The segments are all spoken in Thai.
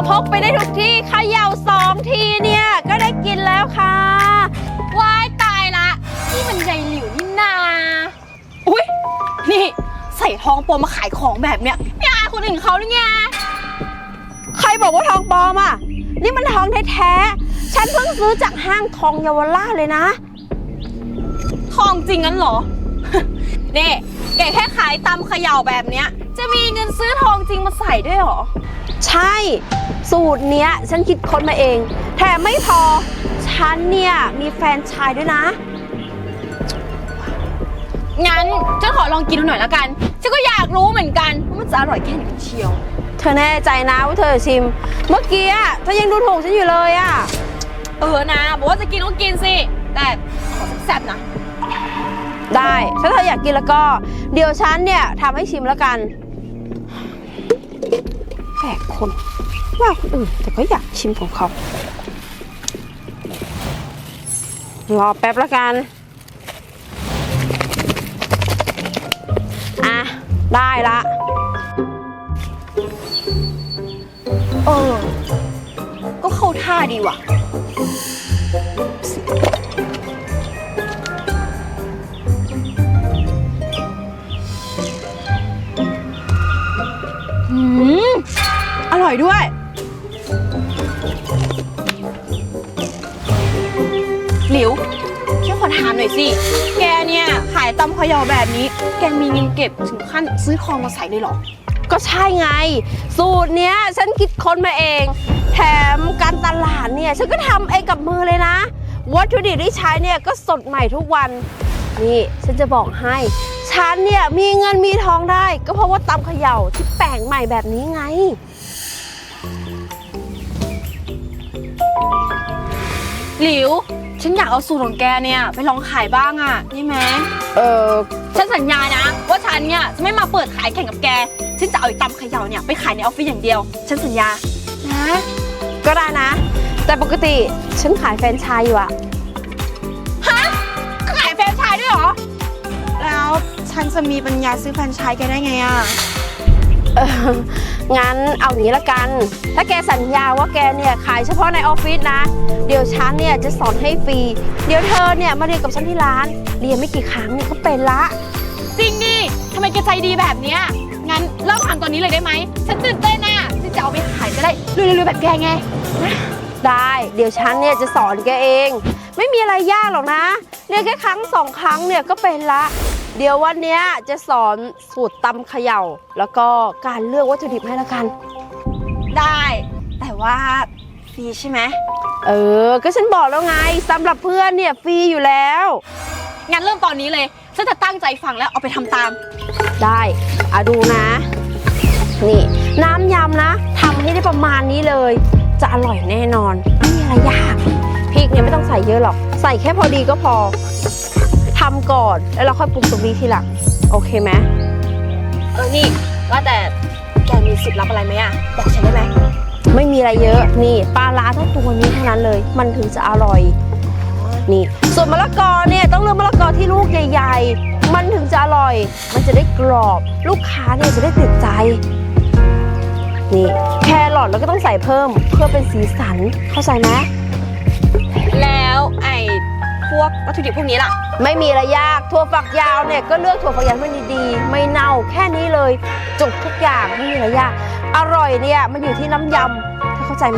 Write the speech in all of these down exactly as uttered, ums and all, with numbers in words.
พกไปได้ทุกที่เขย่าสองทีเนี่ยก็ได้กินแล้วค่ะว้ายตายละนี่มันยายหลิวนี่นาอุ๊ยนี่ใส่ทองปลอมมาขายของแบบเนี้ยไม่อายคนอื่นเขาหรือไงใครบอกว่าทองปลอมอ่ะนี่มันทองแท้ๆฉันเพิ่งซื้อจากห้างทองเยาวราชเลยนะทองจริงงั้นเหรอ นี่แกแค่ขายตำเขย่าแบบเนี้ยจะมีเงินซื้อทองจริงมาใส่ด้วยเหรอใช่สูตรเนี้ยฉันคิดค้นมาเองแถมไม่พอฉันเนี่ยมีแฟนชายด้วยนะงั้นฉันขอลองกินดูหน่อยแล้วกันฉันก็อยากรู้เหมือนกันว่ามันจะอร่อยแค่ไหนเชียวเธอแน่ใจนะว่าเธอชิมเมื่อกี้อะเธอยังดูถูกฉันอยู่เลยอะเออนะบอกว่าจะกินก็กินสิแต่ขอแซ่บๆนะได้ถ้าเธออยากกินแล้วก็เดี๋ยวฉันเนี่ยทำให้ชิมแล้วกันแปลกคนว่าคนอื่นแต่ก็อยากชิมของเขารอแป๊บแล้วกันอ่ะได้ละเออก็เข้าท่าดีว่ะอืมอร่อยด้วยหลิวฉันขอถามหน่อยสิแกเนี่ยขายตำเขย่าแบบนี้แกมีเงินเก็บถึงขั้นซื้อทองมาใส่เลยเหรอก็ใช่ไงสูตรเนี้ยฉันคิดค้นมาเองแถมการตลาดเนี่ยฉันก็ทำเองกับมือเลยนะวัตถุดิบที่ใช้เนี่ยก็สดใหม่ทุกวันนี่ฉันจะบอกให้ฉันเนี่ยมีเงินมีทองได้ก็เพราะว่าตำเขย่าที่แปลงใหม่แบบนี้ไงหลิวฉันอยากเอาสูตรของแกเนี่ยไปลองขายบ้างอ่ะนี่ไหมเออฉันสัญญานะว่าฉันเนี่ยจะไม่มาเปิดขายแข่งกับแกฉันจะเอาไอ้ตำเขย่าเนี่ยไปขายในออฟฟิศอย่างเดียวฉันสัญญานะก็ได้นะแต่ปกติฉันขายแฟรนไชส์อยู่อะฮะขายแฟรนไชส์ด้วยเหรอแล้วฉันจะมีปัญญาซื้อแฟรนไชส์แกได้ไงอะเอองั้นเอางี้ละกันถ้าแกสัญญาว่าแกเนี่ยขายเฉพาะในออฟฟิศนะเดี๋ยวฉันเนี่ยจะสอนให้ฟรีเดี๋ยวเธอเนี่ยมาเรียนกับฉันที่ร้านเรียนไม่กี่ครั้งเนี่ยก็เป็นละจริงดิทำไมแกใจดีแบบเนี้ยงั้นเริ่มทำตอนนี้เลยได้ไหมฉันตื่นเต้นน่ะฉันจะเอาไปขายจะได้รวยๆแบบแกไงได้เดี๋ยวฉันเนี่ยจะสอนแกเองไม่มีอะไรยากหรอกนะเรียนแค่ครั้งสองครั้งเนี่ยก็เป็นละเดี๋ยววันนี้จะสอนสูตรตำเขย่าแล้วก็การเลือกวัตถุดิบให้ละกันได้แต่ว่าฟรีใช่ไหมเออก็ฉันบอกแล้วไงสำหรับเพื่อนเนี่ยฟรีอยู่แล้วงั้นเริ่มตอนนี้เลยฉันจะตั้งใจฟังแล้วเอาไปทำตามได้อ่ะดูนะนี่น้ำยำนะทำให้ได้ประมาณนี้เลยจะอร่อยแน่นอนไม่มีอะไรยากพริกเนี่ยไม่ต้องใส่เยอะหรอกใส่แค่พอดีก็พอทำก่อนแล้วเราค่อยปรุงตรงนี้ทีหลังโอเคไหมเออนี่ว่าแต่แกมีสิทธิ์ลับอะไรไหมอะบอกฉันได้ไหมไม่มีอะไรเยอะนี่ปลาร้าทั้งตัวนี้เท่านั้นเลยมันถึงจะอร่อยนี่ส่วนมะละกอเนี่ยต้องเลือกมะละกอที่ลูกใหญ่ๆมันถึงจะอร่อยมันจะได้กรอบลูกค้าเนี่ยจะได้ติดใจนี่แครอทแล้วก็ต้องใส่เพิ่มเพื่อเป็นสีสันเข้าใจไหมแล้วไอ้พวกวัตถุดิบพวกนี้ล่ะไม่มีอะไรยากถั่วฝักยาวเนี่ยก็เลือกถั่วฝักยาวให้ดีๆไม่เน่าแค่นี้เลยจบทุกอย่างไม่มีอะไรยากอร่อยเนี่ยมันอยู่ที่น้ำยำเธอเข้าใจไหม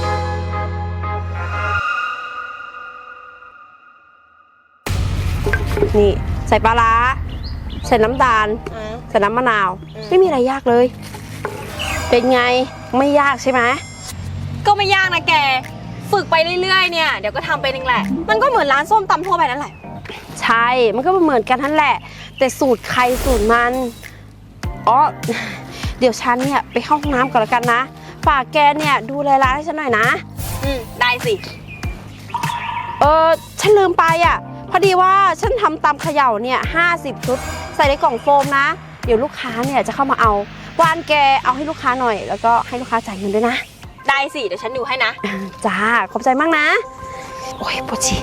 นี่ใส่ปลาร้าใส่น้ำตาลใส่น้ำมะนาวไม่มีอะไรยากเลยเป็นไงไม่ยากใช่ไหมก็ไม่ยากนะแกฝึกไปเรื่อยๆเนี่ยเดี๋ยวก็ทำเป็นเองแหละมันก็เหมือนร้านส้มตำทั่วไปนั่นแหละใช่มันก็เหมือนกันนั่นแหละแต่สูตรใครสูตรมันอ๋อเดี๋ยวฉันเนี่ยไปเข้าห้องน้ำก่อนละกันนะฝากแกเนี่ยดูแลร้านให้ฉันหน่อยนะอืมได้สิเออฉันลืมไปอ่ะพอดีว่าฉันทำตำเขย่าเนี่ยห้าสิบชุดใส่ในกล่องโฟมนะเดี๋ยวลูกค้าเนี่ยจะเข้ามาเอาวานแกเอาให้ลูกค้าหน่อยแล้วก็ให้ลูกค้าจ่ายเงินด้วยนะได้สิเดี๋ยวฉันดูให้นะจ้าขอบใจมากนะโอ้ยปวดฉี่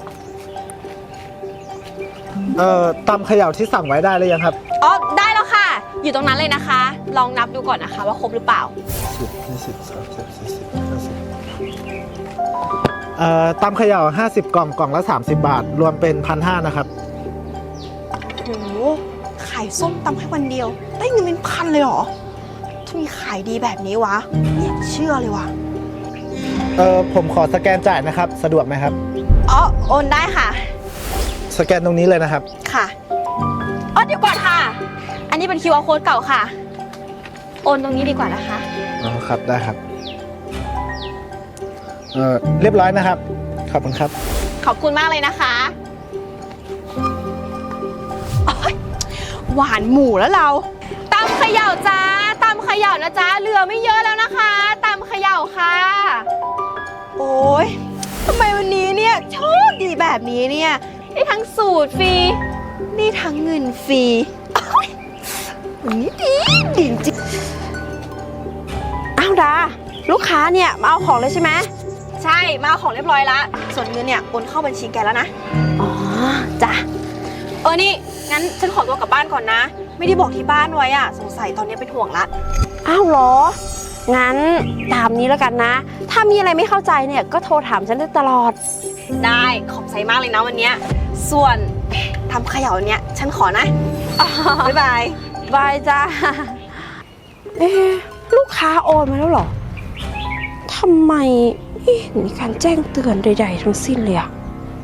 เอ่อตำเขย่าที่สั่งไว้ได้เลยยังครับอ๋อได้แล้วค่ะอยู่ตรงนั้นเลยนะคะ ลองนับดูก่อนนะคะว่าครบหรือเปล่าสิบยี่สิบสามสิบสี่สิบห้าสิบเอ่อตำเขย่าห้าสิบกล่องกล่องละสามสิบบาท รวมเป็นพันห้านะครับโหขายส้มตำแค่วันเดียวได้เงินเป็นพันเลยเหรอถ้ามีขายดีแบบนี้วะไม่อยากเชื่อเลยวะเออผมขอสแกนจ่ายนะครับสะดวกไหมครับอ๋อโอนได้ค่ะสแกนตรงนี้เลยนะครับค่ะอ๋อเดี๋ยวก่อนค่ะอันนี้เป็น คิว อาร์ Code เก่าค่ะโอนตรงนี้ดีกว่านะคะอ๋อครับได้ครับเออเรียบร้อยนะครับขอบคุณครับขอบคุณมากเลยนะคะหวานหมูแล้วเราตำเขย่าจ้าตำเขย่านะจ้าเหลือไม่เยอะแล้วนะคะตำเขย่าค่ะโอ้ยทำไมวันนี้เนี่ยโชคดีแบบนี้เนี่ยได้ทั้งสูตรฟรีได้ทั้งเงินฟรีวันนี้ดีดีจริงอ้าวดาลูกค้าเนี่ยมาเอาของเลยใช่ไหมใช่มาเอาของเรียบร้อยแล้วส่วนเงินเนี่ยโอนเข้าบัญชีแกแล้วนะอ๋อจ้ะเออนี่งั้นฉันขอตัวกลับบ้านก่อนนะไม่ได้บอกที่บ้านไว้อะสงสัยตอนนี้เป็นห่วงละอ้าวเหรองั้นตามนี้แล้วกันนะถ้ามีอะไรไม่เข้าใจเนี่ยก็โทรถามฉันได้ตลอดได้ขอบใจมากเลยนะวันนี้ส่วนทำเขย่าเนี่ยฉันขอนะบ๊ายบายบายจ้าเอ๊ะลูกค้าโอนมาแล้วเหรอทำไมไม่เห็นมีการแจ้งเตือนใดๆทั้งสิ้นเลยอะ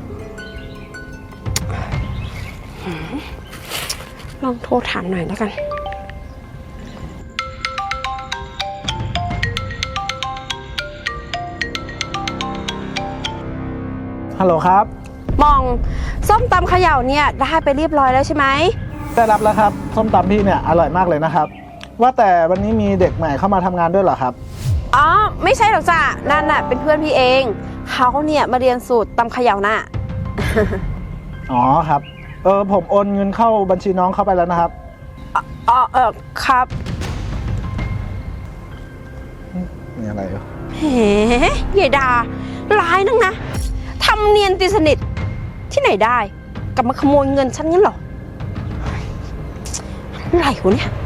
ลองโทรถามหน่อยแล้วกันฮัลโหลครับมองส้มตำเขย่าเนี่ยได้ไปเรียบร้อยแล้วใช่ไหมได้รับแล้วครับส้มตำพี่เนี่ยอร่อยมากเลยนะครับว่าแต่วันนี้มีเด็กใหม่เข้ามาทำงานด้วยเหรอครับอ๋อไม่ใช่หรอกจ้ะนั่นน่ะเป็นเพื่อนพี่เองเขาเนี่ยมาเรียนสูตรตำเขย่าน่ะอ๋อครับเออผมโอนเงินเข้าบัญชีน้องเข้าไปแล้วนะครับอ๋อเออครับมีอะไรเหรอเฮ้ยายดาร้ายนักนะทำเนียนตีสนิทที่ไหนได้กลับมาขโมยเงินฉันงั้นเหรออะไรวะเนี่ย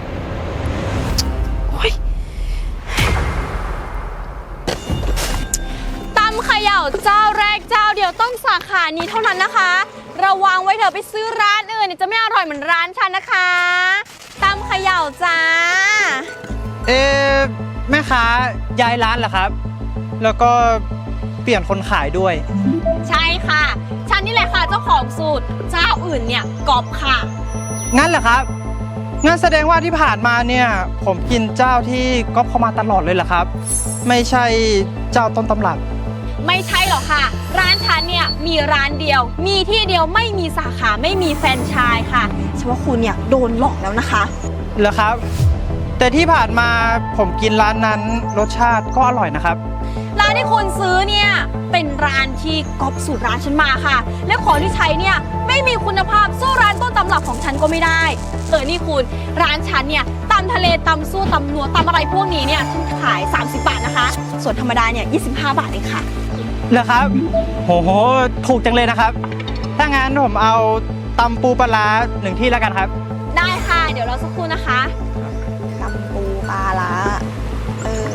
ตำเขย่าเจ้าแรกเจ้าเดียวต้องสาขานี้เท่านั้นนะคะระวังไว้เถอะไปซื้อร้านอื่นจะไม่อร่อยเหมือนร้านฉันนะคะตำเขย่าจ้าเอ๊ะแม่ค้าย้ายร้านเหรอครับแล้วก็เปลี่ยนคนขายด้วยใช่ค่ะฉันนี่แหละค่ะเจ้าของสูตรเจ้าอื่นเนี่ยกอบค่ะงั้นเหรอครับงั้นแสดงว่าที่ผ่านมาเนี่ยผมกินเจ้าที่ก๊อปเข้ามาตลอดเลยเหรอครับไม่ใช่เจ้าต้นตำรับไม่ใช่หรอกค่ะร้านฉันเนี่ยมีร้านเดียวมีที่เดียวไม่มีสาขาไม่มีแฟรนไชส์ค่ะฉันว่าคุณเนี่ยโดนหลอกแล้วนะคะเหรอครับแต่ที่ผ่านมาผมกินร้านนั้นรสชาติก็อร่อยนะครับร้านที่คุณซื้อเนี่ยเป็นร้านที่ก๊อปสูตรร้านฉันมาค่ะและของที่ใช้เนี่ยไม่มีคุณภาพสู้ร้านต้นตำรับของฉันก็ไม่ได้เออนี่คุณร้านฉันเนี่ยตำทะเลตำสู้ตำนัวตำอะไรพวกนี้เนี่ยฉันขายสามสิบบาทนะคะส่วนธรรมดาเนี่ยยี่สิบห้าบาทเองค่ะเหรอครับโหโหถูกจังเลยนะครับถ้างั้นผมเอาตำปูปลาร้าหนึ่งที่แล้วกันครับได้ค่ะเดี๋ยวเราสักครู่นะคะตำปูปลาร้าเออ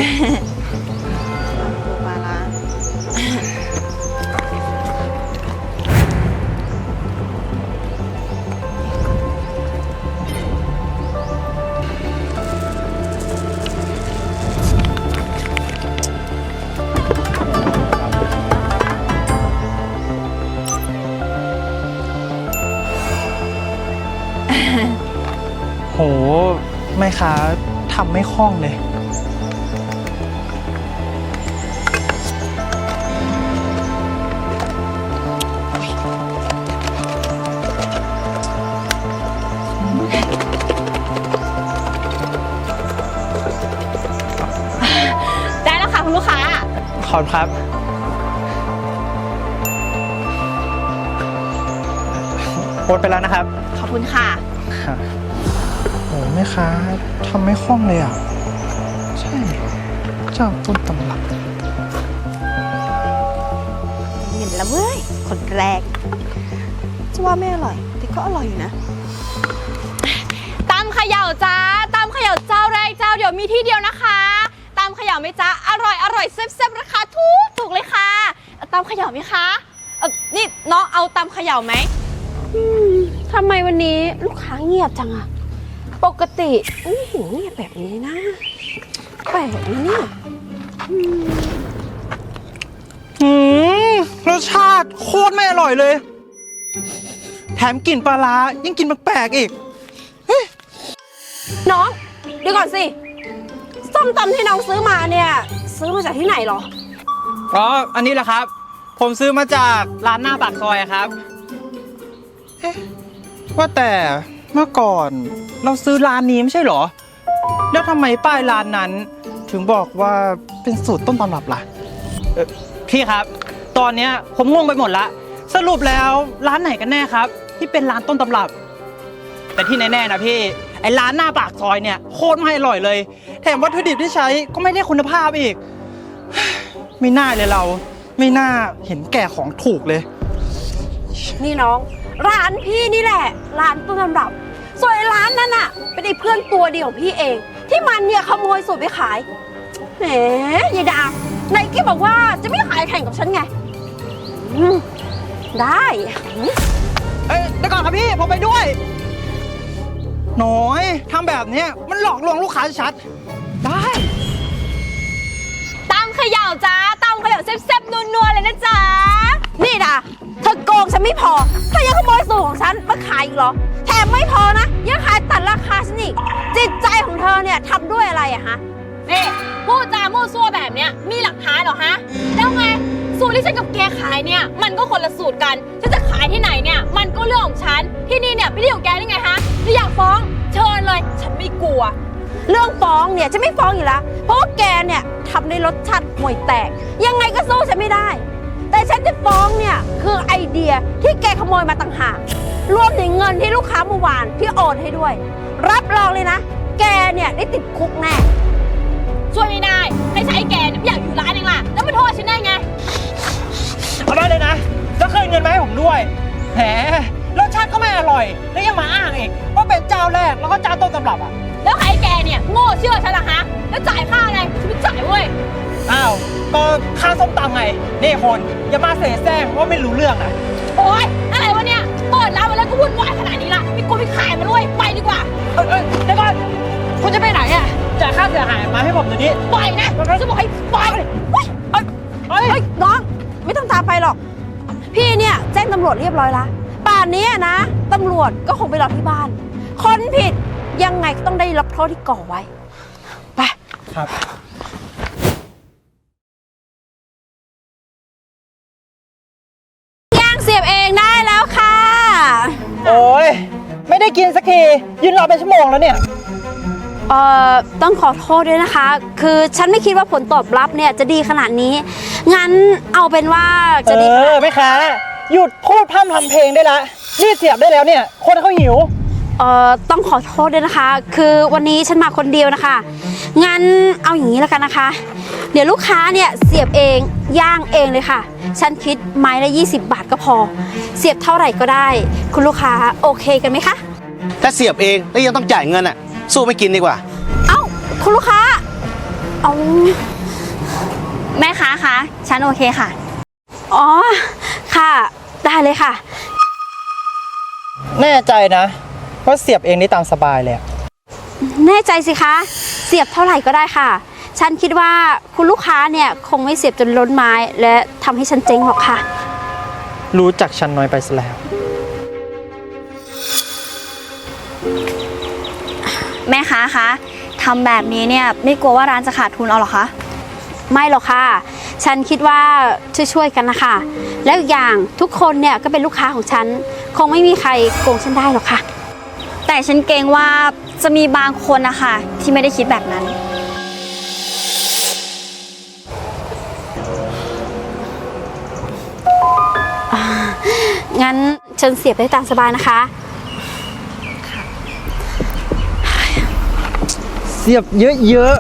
ปูปลาร้าโหแม่ค้าทำไม่คล่องเลยได้แล้วค่ะคุณลูกค้าขอบคุณครับโอนไปแล้วนะครับขอบคุณค่ะโอ้แม่ค้าทำไม่คล่องเลยอ่ะใช่เจ้าต้นตำรับเห็นแล้วเว้ยคนแรกจะว่าไม่อร่อยแต่ก็อร่อยอยู่นะตำยวมีที่เดียวนะคะตำเขย่าไหมจ๊ะอร่อยอร่อยแซ่บๆราคาถูกถูกเลยค่ะตำเขย่าไหมคะเออนี่น้องเอาตำเขย่าไหมอืมทำไมวันนี้ลูกค้าเงียบจังอะปกติไม่เห็นเงียบแบบนี้นะแปลกนะเนี่ยหืมรสชาติโคตรไม่อร่อยเลย แถมกลิ่นปลาร้ายิ่งกินแปลกๆอีกน้องเดี๋ยวก่อนสิส้มตำที่น้องซื้อมาเนี่ยซื้อมาจากที่ไหนหรออ๋อ อันนี้แหละครับ ผมซื้อมาจากร้านหน้าปากซอยอะครับ เอ๊ะ ว่าแต่เมื่อก่อนเราซื้อร้านนี้ไม่ใช่เหรอ แล้วทำไมป้ายร้านนั้น ถึงบอกว่าเป็นสูตรต้นตำรับล่ะเอ่อพี่ครับ ตอนเนี้ยผมงงไปหมดละ สรุปแล้วร้านไหนกันแน่ครับ ที่เป็นร้านต้นตำรับ แต่ที่แน่ๆนะพี่ ไอ้ร้านหน้าปากซอยเนี่ยโคตรไม่อร่อยเลย แถมวัตถุดิบที่ใช้ก็ไม่ได้คุณภาพอีก ไม่น่าเลยเรา ไม่น่าเห็นแก่ของถูกเลยนี่น้องร้านพี่นี่แหละร้านต้นตำรับส่วนไอ้ร้านนั้นน่ะเป็นไอ้เพื่อนตัวเดียวของพี่เอง ที่มันเนี่ยขโมยสูตรไปขายแหมยายดาไหนแกบอกว่าจะไม่ขายแข่งกับฉันไงอืมได้เอ้ยเดี๋ยวก่อนครับพี่ผมไปด้วยน้อยทำแบบเนี้ยมันหลอกลวงลูกค้าชัดได้ตำเขย่าจ้าตำเขย่าแซ่บๆนัวๆเลยนะจ๊ะนี่ดาเธอโกงฉันไม่พอเธอยังขโมยสูตรของฉันมาขายอีกเหรอแถมไม่พอนะยังขายตัดราคาฉันอีกจิตใจของเธอเนี่ยทำด้วยอะไรอะฮะนี่พูดจามั่วซั่วแบบเนี้ยมีหลักฐานเหรอฮะแล้วไงสูตรที่ฉันกับแกขายเนี่ยมันก็คนละสูตรกันฉันจะขายที่ไหนเนี่ยมันก็เรื่องของฉันที่นี่เนี่ยไม่ได้ของแกได้ไงฮะถ้าอยากฟ้องเชิญเลยฉันไม่กลัวเรื่องฟ้องเนี่ยจะไม่ฟ้องอยู่แล้วเพราะว่าแกเนี่ยทำในรสชาติห่วยแตกยังไงก็สู้ฉันไม่ได้แต่ฉันจะฟ้องเนี่ยคือไอเดียที่แกขโมยมาต่างหากรวมถึงเงินที่ลูกค้าเมื่อวานที่โอนให้ด้วยรับรองเลยนะแกเนี่ยได้ติดคุกแน่ช่วยไม่ได้ให้ใช้แกเนี่ยไม่อยากอยู่ร้านเองล่ะแล้วมาโทษฉันได้ไงเอาได้เลยนะแล้วคืนเงินมาให้ผมด้วยแหมรสชาติก็ไม่อร่อยแล้วยังมาอ้างอีกว่าเป็นเจ้าแรกแล้วก็เจ้าต้นตำรับอ่ะแล้วใครแกเนี่ยโง่เชื่อฉันล่ะฮะแล้วจ่ายค่าอะไรฉันไม่จ่ายเว้ยอ้าวก็ค่าส้มตำไงนี่คนอย่ามาเสแสร้งว่าไม่รู้เรื่องนะโอ๊ยอะไรวะเนี่ยเปิดร้านมาแล้วก็วุ่นวายขนาดนี้ละไม่กลัวไม่ขายมันด้วยไปดีกว่าเอ้ยเอ้ยเดี๋ยวก่อนคุณจะไปไหนอ่ะจ่ายค่าเสียหายมาให้ผมเดี๋ยวนี้ปล่อยนะจะบอกให้ปล่อยเฮ้ยเอ้ยเอ้ยเฮ้ยน้องไม่ต้องตามไปหรอกพี่เนี่ยแจ้งตำรวจเรียบร้อยละป่านนี้นะตำรวจก็คงไปรอที่บ้านคนผิดยังไงก็ต้องได้รับโทษที่ก่อไว้ไปครับย่างเสียบเองได้แล้วค่ะโอ้ยไม่ได้กินสักทียืนรอเป็นชั่วโมงแล้วเนี่ยเอ่อต้องขอโทษด้วยนะคะ คือฉันไม่คิดว่าผลตอบรับเนี่ยจะดีขนาดนี้งั้นเอาเป็นว่าจะดีเออไม่ค้าหยุดพูดพร่ำทำเพลงได้ละรีบเสียบได้แล้วเนี่ยคนเขาหิวเอ่อต้องขอโทษด้วยนะคะ คือวันนี้ฉันมาคนเดียวนะคะงั้นเอาอย่างนี้แล้วกันนะคะ เดี๋ยวลูกค้าเนี่ยเสียบเองย่างเองเลยค่ะ ฉันคิดไม้ละยี่สิบบาทก็พอ เสียบเท่าไหร่ก็ได้ คุณลูกค้าโอเคกันไหมคะถ้าเสียบเองแล้วยังต้องจ่ายเงินอ่ะ สู้ไม่กินดีกว่าเอ้าคุณลูกค้าเอาแม่ค้าคะฉันโอเคค่ะอ๋อค่ะได้เลยค่ะแน่ใจนะว่าเสียบเองได้ตามสบายเลยอะแน่ใจสิคะเสียบเท่าไหร่ก็ได้ค่ะ ฉันคิดว่าคุณลูกค้าเนี่ยคงไม่เสียบจนล้นไม้และทำให้ฉันเจ๊งหรอกค่ะรู้จักฉันน้อยไปซะแล้วแม่ค้าคะทำแบบนี้เนี่ยไม่กลัวว่าร้านจะขาดทุนเอาหรอคะไม่หรอกค่ะ ฉันคิดว่าช่วยๆกันนะคะ แล้วอีกอย่างทุกคนเนี่ยก็เป็นลูกค้าของฉัน คงไม่มีใครโกงฉันได้หรอกค่ะแต่ฉันเกรงว่าจะมีบางคนนะคะที่ไม่ได้คิดแบบนั้นงั้นฉันเสียบได้ตามสบายนะคะเสียบเยอะ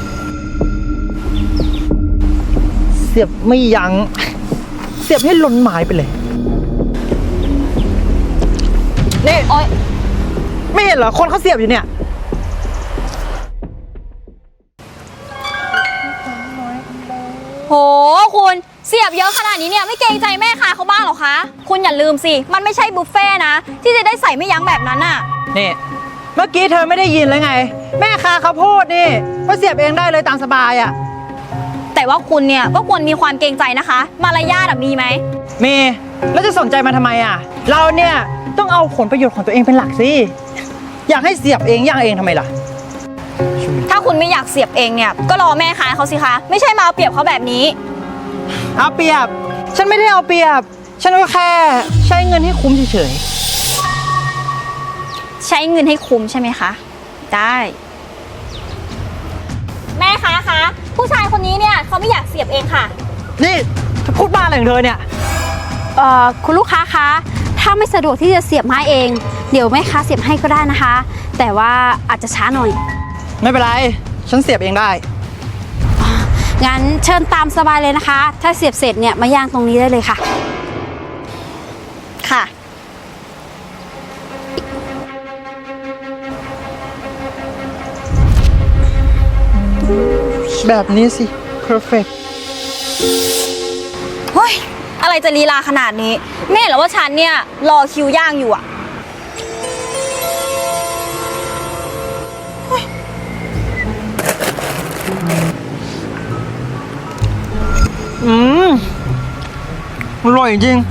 ๆเสียบไม่ยัง้งเสียบให้ล้นไม้ไปเลยนี่โอ๊ยไม่เห็นเหรอคนเขาเสียบอยู่เนี่ยโหคุณเสียบเยอะขนาดนี้เนี่ยไม่เกรงใจแม่ค้าเขาบ้างเหรอคะคุณอย่าลืมสิมันไม่ใช่บุฟเฟ่ต์นะที่จะได้ใส่ไม่ยั้งแบบนั้นน่ะนี่เมื่อกี้เธอไม่ได้ยินเลยไง แม่ค้าเขาพูดนี่ว่าเสียบเองได้เลยตามสบายอ่ะแต่ว่าคุณเนี่ยก็ควรมีความเกรงใจนะคะ มารยาทมีไหมมีแล้วจะสนใจมาทำไมอ่ะ เราเนี่ยต้องเอาผลประโยชน์ของตัวเองเป็นหลักสิอยากให้เสียบเองย่างเองทำไมล่ะถ้าคุณไม่อยากเสียบเองเนี่ยก็รอแม่ค้าเขาสิคะไม่ใช่มาเอาเปรียบเขาแบบนี้เอาเปรียบฉันไม่ได้เอาเปรียบฉันก็แค่ใช้เงินให้คุ้มเฉยใช้เงินให้คุ้มใช่ไหมคะได้ แม่ค้าคะผู้ชายคนนี้เนี่ยเขาไม่อยากเสียบเองค่ะๆนี่เธอพูดบ้าอะไรของเธอเนี่ยเอ่อคุณลูกค้าคะถ้าไม่สะดวกที่จะเสียบไม้เอง เดี๋ยวแม่ค้าเสียบให้ก็ได้นะคะ แต่ว่าอาจจะช้าหน่อยไม่เป็นไรฉันเสียบเองได้งั้นเชิญตามสบายเลยนะคะ ถ้าเสียบเสร็จเนี่ยมาย่างตรงนี้ได้เลยค่ะค่ะแบบนี้สิ perfect เฮ้ยอะไรจะลีลาขนาดนี้ไม่เห็นเหรอว่าฉันเนี่ยรอคิวย่างอยู่อะอืมอร่อยจริง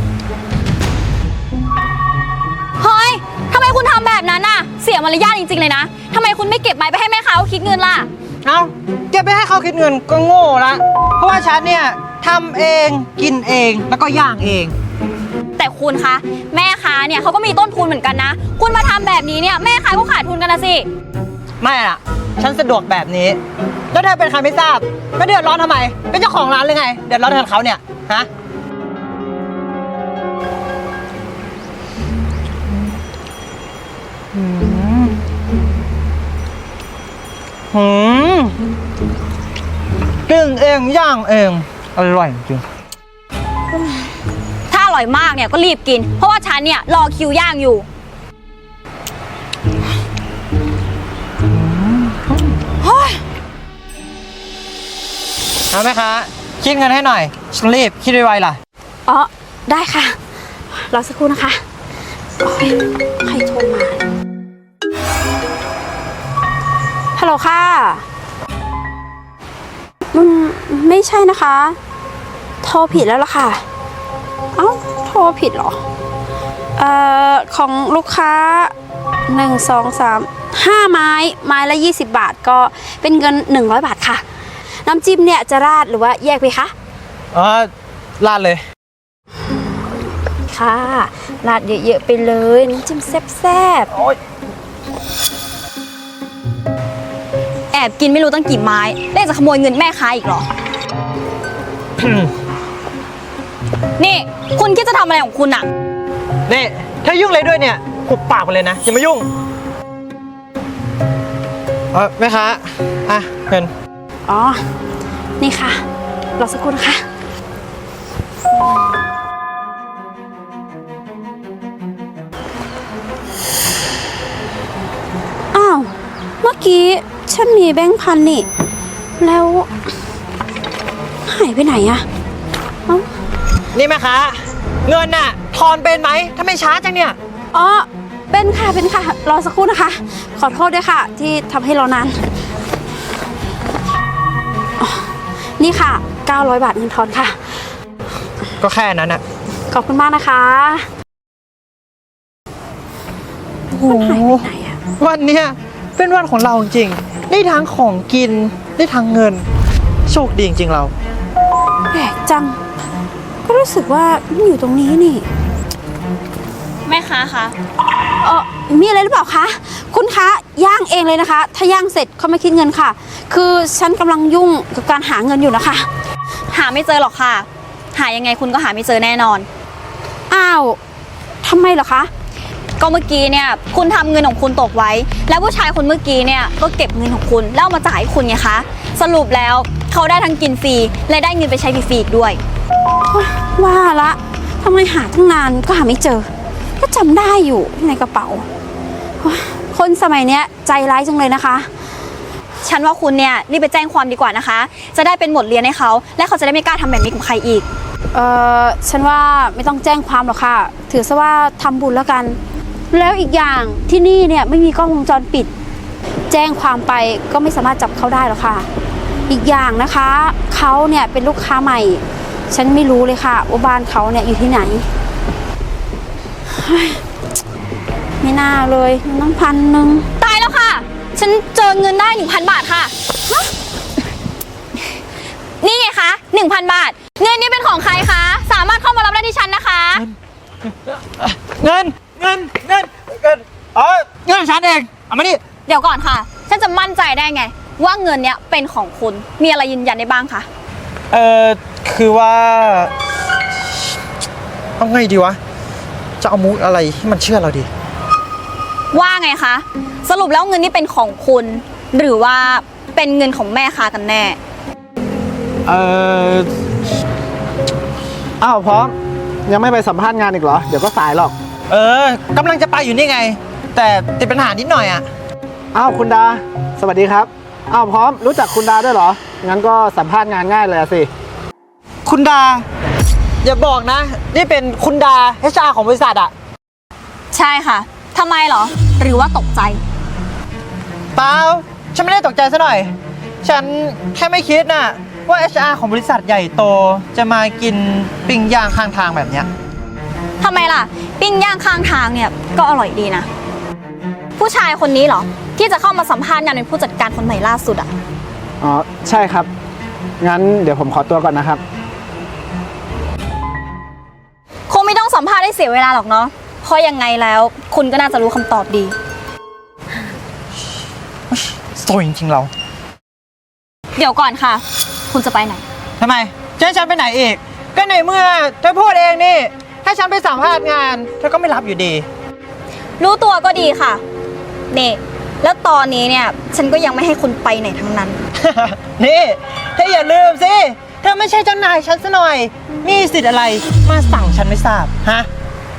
เฮ้ยทำไมคุณทำแบบนั้นน่ะเสียมารยาทจริงๆเลยนะทำไมคุณไม่เก็บไม้ไปให้แม่ค้าเขาคิดเงินล่ะเอาเก็บไปให้เขาคิดเงินก็โง่ละเพราะว่าฉันเนี่ยทำเองกินเองแล้วก็ย่างเองแต่คุณคะแม่ค้าเนี่ยเขาก็มีต้นทุนเหมือนกันนะ คุณมาทำแบบนี้เนี่ยแม่ค้าก็ขาดทุนกันนะสิไม่อะฉันสะดวกแบบนี้ แล้วเธอเป็นใครไม่ทราบแล้วเดือดร้อนทำไม เป็นเจ้าของร้านเลยไง เดือดร้อนแทนเขาเนี่ย ฮะ หืมหืมปิ้งเองย่างเอง อร่อยจริงถ้าอร่อยมากเนี่ยก็รีบกิน เพราะว่าฉันเนี่ยรอคิวย่างอยู่เอาไหมคะคิดเงินให้หน่อยฉันรีบคิดไวๆล่ะอ๋อ ได้ค่ะ รอสักครู่นะคะโอ๊ยใครโทรมา ฮัลโหลค่ะอืมไม่ใช่นะคะ โทรผิดแล้วล่ะค่ะ เอ้า โทรผิดเหรอ เอ่อ ของลูกค้าหนึ่งสองสามห้าไม้ ไม้ละยี่สิบบาทก็เป็นเงินหนึ่งร้อยบาทค่ะ น้ำจิ้มเนี่ยจะราดหรือว่าแยกไปคะอ๋อลาดเลยค่ะราดเยอะๆไปเลยน้ำจิ้มแซ่บโอ๊ยแอบกินไม่รู้ตั้งกี่ไม้แล้วจะขโมยเงินแม่ค้าอีกเหรอ นี่คุณคิดจะทำอะไรของคุณอะนี่ถ้ายุ่งเลยด้วยเนี่ยหุบปากไปเลยนะ อย่ามายุ่ง เออแม่ค้าอ่ะเงินๆอ๋อ นี่ค่ะ รอสักครู่นะคะ อ้าว เมื่อกี้ฉันมีแบงค์พันนี่ แล้วหายไปไหนอะเอ้านี่แม่ค้าเงินน่ะทอนเป็นไหมถ้าไม่ช้าจังเนี่ยอ๋อ เป็นค่ะ เป็นค่ะ รอสักครู่นะคะ ขอโทษด้วยค่ะ ที่ทำให้รอนานอ๋อนี่ค่ะ เก้าร้อยบาทเงินทอนค่ะก็แค่นั้นน่ะขอบคุณมากนะคะโอ้โหมันหายไปไหนอะวันเนี้ยเป็นวันของเราจริงๆได้ทั้งของกินได้ทั้งเงิน โชคดีจริงๆเราแปลกจัง ก็รู้สึกว่ามันอยู่ตรงนี้นี่แม่ค้าคะเออมีอะไรหรือเปล่าคะ คุณคะย่างเองเลยนะคะ ถ้าย่างเสร็จเขาไม่คิดเงินค่ะ คือฉันกำลังยุ่งกับการหาเงินอยู่นะคะหาไม่เจอหรอกค่ะ หายังไงคุณก็หาไม่เจอแน่นอนอ้าวทำไมเหรอคะก็เมื่อกี้เนี่ยคุณทำเงินของคุณตกไว้ แล้วผู้ชายคนเมื่อกี้เนี่ยก็เก็บเงินของคุณแล้วเอามาจ่ายให้คุณไงคะ สรุปแล้วเขาได้ทั้งกินฟรีและได้เงินไปใช้ฟรีๆอีกด้วยว่าละทำไมหาตั้งนานก็หาไม่เจอ ก็จำได้อยู่ในกระเป๋าโอ๊ยคนสมัยเนี้ยใจร้ายจังเลยนะคะฉันว่าคุณเนี่ยรีบไปแจ้งความดีกว่านะคะ จะได้เป็นบทเรียนให้เขาและเขาจะได้ไม่กล้าทำแบบนี้กับใครอีกเออฉันว่าไม่ต้องแจ้งความหรอกค่ะ ถือซะว่าทำบุญแล้วกัน แล้วอีกอย่างที่นี่เนี่ยไม่มีกล้องวงจรปิด แจ้งความไปก็ไม่สามารถจับเขาได้หรอกค่ะ อีกอย่างนะคะเขาเนี่ยเป็นลูกค้าใหม่ ฉันไม่รู้เลยค่ะว่าบ้านเขาเนี่ยอยู่ที่ไหนเฮ้ยไม่น่าเลยน้ำพันหนึ่งตายแล้วค่ะ ฉันเจอเงินได้หนึ่งพันบาทค่ะฮะนี่ไงคะหนึ่งพันบาท เงินนี้เป็นของใครคะ สามารถเข้ามารับได้ที่ฉันนะคะเงิน เงิน เงิน เงินอ๋อเงินของฉันเอง เอามานี่เดี๋ยวก่อนค่ะ ฉันจะมั่นใจได้ไง ว่าเงินเนี้ยเป็นของคุณ มีอะไรยืนยันได้บ้างคะเอ่อ คือว่า เอาไงดีวะ จะเอามุกอะไรให้มันเชื่อเราดีว่าไงคะ สรุปแล้วเงินนี้เป็นของคุณ หรือว่าเป็นเงินของแม่ค้ากันแน่เอ่อ อ้าวพร้อม ยังไม่ไปสัมภาษณ์งานอีกเหรอ เดี๋ยวก็สายหรอกเออกำลังจะไปอยู่นี่ไง แต่ติดปัญหานิดหน่อยอ่ะอ้าวคุณดา สวัสดีครับ อ้าวพร้อม รู้จักคุณดาด้วยเหรอ งั้นก็สัมภาษณ์งานง่ายเลยอะสิคุณดา อย่าบอกนะ นี่เป็นคุณดา เอช อาร์ ของบริษัทอ่ะใช่ค่ะทำไมเหรอ หรือว่าตกใจเปล่า ฉันไม่ได้ตกใจซะหน่อย ฉันแค่ไม่คิดน่ะ ว่า เอช อาร์ ของบริษัทใหญ่โต จะมากินปิ้งย่างข้างทางแบบเนี้ยทำไมล่ะ ปิ้งย่างข้างทางเนี่ยก็อร่อยดีนะ ผู้ชายคนนี้เหรอ ที่จะเข้ามาสัมภาษณ์งานเป็นผู้จัดการคนใหม่ล่าสุดอะอ๋อ ใช่ครับ งั้นเดี๋ยวผมขอตัวก่อนนะครับคงไม่ต้องสัมภาษณ์ให้เสียเวลาหรอกเนาะเพราะยังไงแล้วคุณก็น่าจะรู้คำตอบดีโซยจริงๆเราเดี๋ยวก่อนค่ะ คุณจะไปไหนทำไมจะให้ฉันไปไหนอีก ก็ในเมื่อเธอพูดเองนี่ ถ้าฉันไปสัมภาษณ์งาน เธอก็ไม่รับอยู่ดีรู้ตัวก็ดีค่ะนี่แล้วตอนนี้เนี่ยฉันก็ยังไม่ให้คุณไปไหนทั้งนั้นนี่เธออย่าลืมสิ เธอไม่ใช่เจ้านายฉันซะหน่อย มีสิทธิ์อะไรมาสั่งฉันไม่ทราบ ฮะ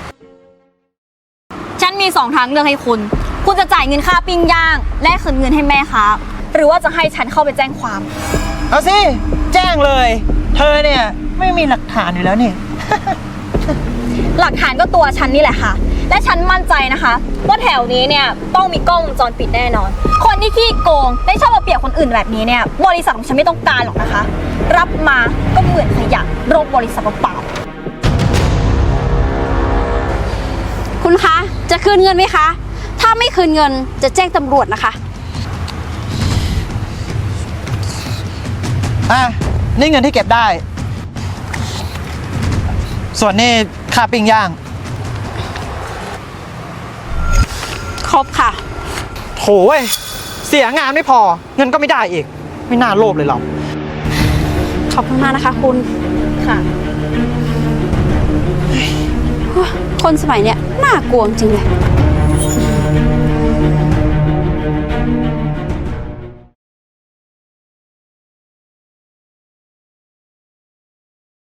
ฉันมีสองทางเลือกให้คุณ คุณจะจ่ายเงินค่าปิ้งย่างและคืนเงินให้แม่ค้าหรือว่าจะให้ฉันเข้าไปแจ้งความเอาสิ แจ้งเลย เธอเนี่ยไม่มีหลักฐานอยู่แล้วนี่หลักฐานก็ตัวฉันนี่แหละค่ะ และฉันมั่นใจนะคะว่าแถวนี้เนี่ยต้องมีกล้องวงจรปิดแน่นอน คนที่ขี้โกงได้ชอบมาเปรียบคนอื่นแบบนี้เนี่ยบริษัทของฉันไม่ต้องการหรอกนะคะ รับมาก็เหมือนขยะโรคบริษัทเปล่าคุณคะ จะคืนเงินไหมคะ ถ้าไม่คืนเงินจะแจ้งตำรวจนะคะอ่ะ นี่เงินที่เก็บได้ ส่วนนี่ค่าปิ้งย่างครบค่ะโถเว้ย เสียงานไม่พอ เงินก็ไม่ได้อีก ไม่น่าโลภเลยเราขอบคุณมากนะคะคุณๆค่ะคนสมัยเนี้ยน่ากลัวจริงเลย